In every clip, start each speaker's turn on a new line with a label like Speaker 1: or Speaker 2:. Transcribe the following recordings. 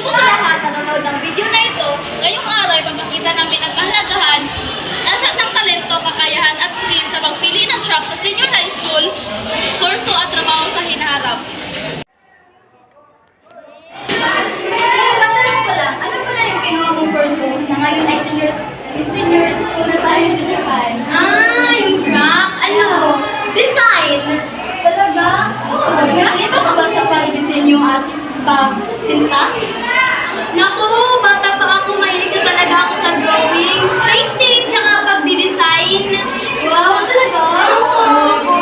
Speaker 1: po sa lahat na nanonood ng video na ito, ngayong araw ay magkakita namin ang kahalagahan ng talento, kakayahan at skill sa pagpili ng track sa senior high school, kurso at trabaho sa hinaharap.
Speaker 2: Matanong ko lang, ano pala yung kinuha mong kursos na ngayon ay senior school na tayo senior high?
Speaker 3: Yung track, design.
Speaker 2: Talaga? Oo. Ito ka ba sa pag-disenyo at pag-pinta?
Speaker 3: Naku, bata pa ako, mahilig na talaga ako sa drawing, painting, tsaka pagdi-design.
Speaker 2: Wow, talaga? Oo.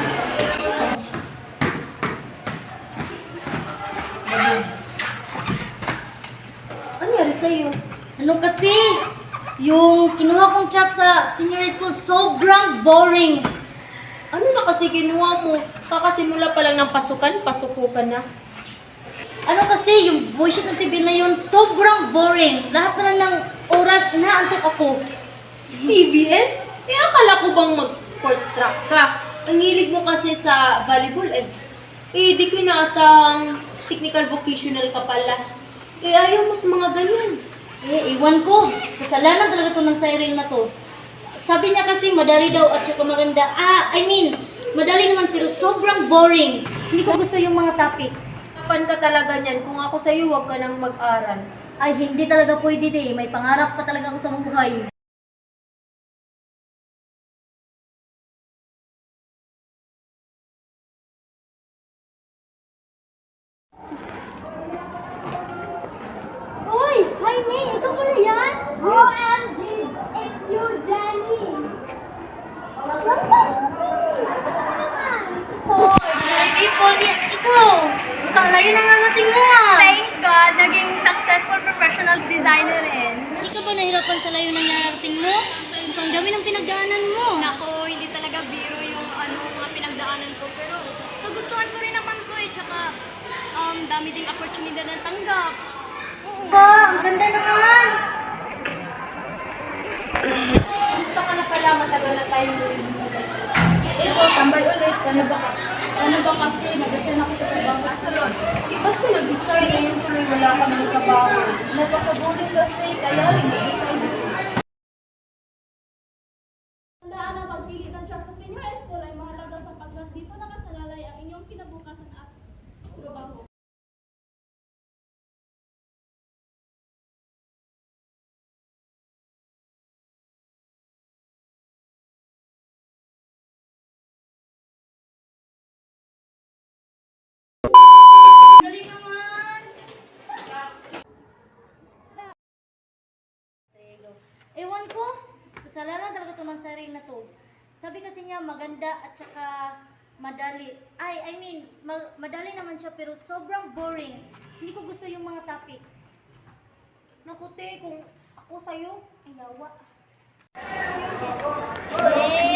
Speaker 4: Ano nangyari sa'yo? Ano kasi? Yung kinuha kong track sa senior high school, sobrang boring.
Speaker 5: Ano na kasi kinuha mo? Kakasimula pa lang ng pasuko ka na.
Speaker 4: Ano kasi, yung voice ng TV na yun, sobrang boring. Lahat na lang ng oras, inaantok ako.
Speaker 5: TVN? Akala ko bang mag-sports track ka? Ang hilig mo kasi sa volleyball di ko inaasang technical vocational ka pala. Ayaw mo sa mga ganyan.
Speaker 4: Iwan ko. Kasalanan talaga to ng Cyril na to. Sabi niya kasi madali daw at saka maganda. Madali naman pero sobrang boring. Hindi ko gusto yung mga topic.
Speaker 5: Kapan ka talaga niyan? Kung ako sa'yo, huwag ka nang mag-aral.
Speaker 4: Ay, hindi talaga pwede May pangarap pa talaga ako sa buhay. Hoy! Hi, May! Ikaw pala yan?
Speaker 3: OMG, it's you, Jenny.
Speaker 4: Ikaw! Ang layo na nga natin mo
Speaker 3: Thank God, naging successful professional designer rin.
Speaker 4: Hindi ka ba nahirapan sa layo ng narating mo? Ang dami ng pinagdaanan mo.
Speaker 3: Nako, hindi talaga biro yung mga pinagdaanan ko. Pero nagustuhan ko rin naman ko tsaka dami ding opportunity na tanggap.
Speaker 4: Ba, ang ganda naman!
Speaker 5: Gusto ka na pala, matagal na tayo ito, tambay ulit. Ano ba kasi, nag-resign ako sa trabaho. Ba't ko nag-resign? Ngayon tuloy wala ka ng trabaho. Napaka-boring kasi, kaya rin nag-resign.
Speaker 1: Tandaan ang pagpili ng track sa senior high school ay mahalaga sapagkat dito nakasalalay ang inyong kinabukasan at trabaho.
Speaker 4: Ewan ko, kasalanan talaga to ng Cyril na to. Sabi kasi niya maganda at saka madali. Madali naman siya pero sobrang boring. Hindi ko gusto yung mga topic.
Speaker 5: Naku, te, kung ako sa'yo, ay yawa.